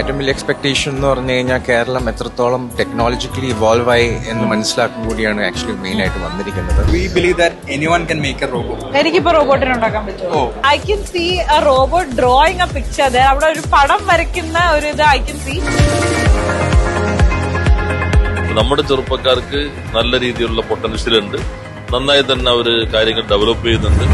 ഏറ്റവും വലിയ എക്സ്പെക്ടേഷൻ എന്ന് പറഞ്ഞു കഴിഞ്ഞാൽ കേരളം എത്രത്തോളം ടെക്നോളജിക്കലി ഇവോൾവ് ആയി എന്ന് മനസ്സിലാക്കും കൂടിയാണ് ആക്ച്വലി മെയിൻ ആയിട്ട് വന്നിരിക്കുന്നത്. We believe that anyone can make a robot. എനിക്കിപ്പോ റോബോട്ടിനെ ഉണ്ടാക്കാൻ പറ്റുമോ? I can see a robot drawing a picture. അവിടെ ഒരു പടം വരയ്ക്കുന്ന ഒരു ഇത് ഐ കൻ സീ. നമ്മുടെ ചെറുപ്പക്കാർക്ക് നല്ല രീതിയിലുള്ള പൊട്ടൻഷ്യൽ ഉണ്ട്. നന്നായി തന്നെ അവര് കാര്യങ്ങൾ ഡെവലപ്പ് ചെയ്യുന്നുണ്ട്.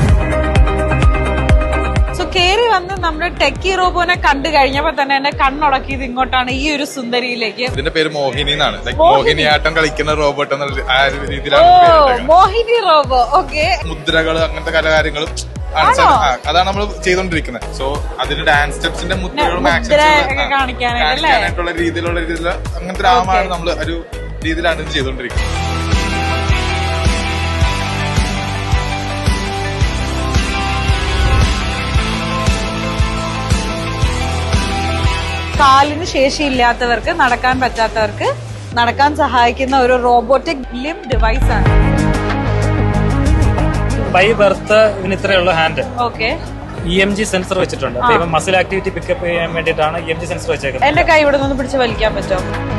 സോ കേറി വന്ന് നമ്മുടെ ടെക്കി റോബോനെ കണ്ടു കഴിഞ്ഞപ്പോ തന്നെ എന്നെ കണ്ണുടക്കിയത് ഇങ്ങോട്ടാണ്, ഈ ഒരു സുന്ദരിയിലേക്ക്. ഇതിന്റെ പേര് മോഹിനി എന്നാണ്. മോഹിനിയാട്ടം കളിക്കുന്ന റോബോട്ട് എന്നുള്ള ആ ഒരു ഓ, രീതിയിലാണ് മോഹിനി റോബോ. ഓക്കെ, മുദ്രകള് അങ്ങനത്തെ കലാകാര്യങ്ങളും അതാണ് നമ്മൾ ചെയ്തോണ്ടിരിക്കുന്നത്. സോ അതിന്റെ ഡാൻസ് സ്റ്റെപ്സിന്റെ മുദ്രകളും കാണിക്കാനായിട്ടുള്ള രീതിയിലുള്ള അങ്ങനത്തെ രാമാണ് നമ്മൾ ഒരു രീതിയിലാണ് ഇത് ചെയ്തോണ്ടിരിക്കുന്നത്. കാലിന് ശേഷിയില്ലാത്തവർക്ക്, നടക്കാൻ പറ്റാത്തവർക്ക് നടക്കാൻ സഹായിക്കുന്ന ഒരു റോബോട്ടിക് ലിം ഡിവൈസ് ആണ്. ബൈ ബർത്ത് ഇതിന് ഇത്രയുള്ള ഹാൻഡ്. ഓക്കെ, EMG സെൻസർ വെച്ചിട്ടുണ്ട്. മസിൽ ആക്ടിവിറ്റി പിക്കപ്പ് ചെയ്യാൻ വേണ്ടിയിട്ടാണ് EMG സെൻസർ വെച്ചേക്കുന്നത്. എന്റെ കൈ ഇവിടെ നിന്ന് പിടിച്ച് വലിക്കാൻ പറ്റുമോ?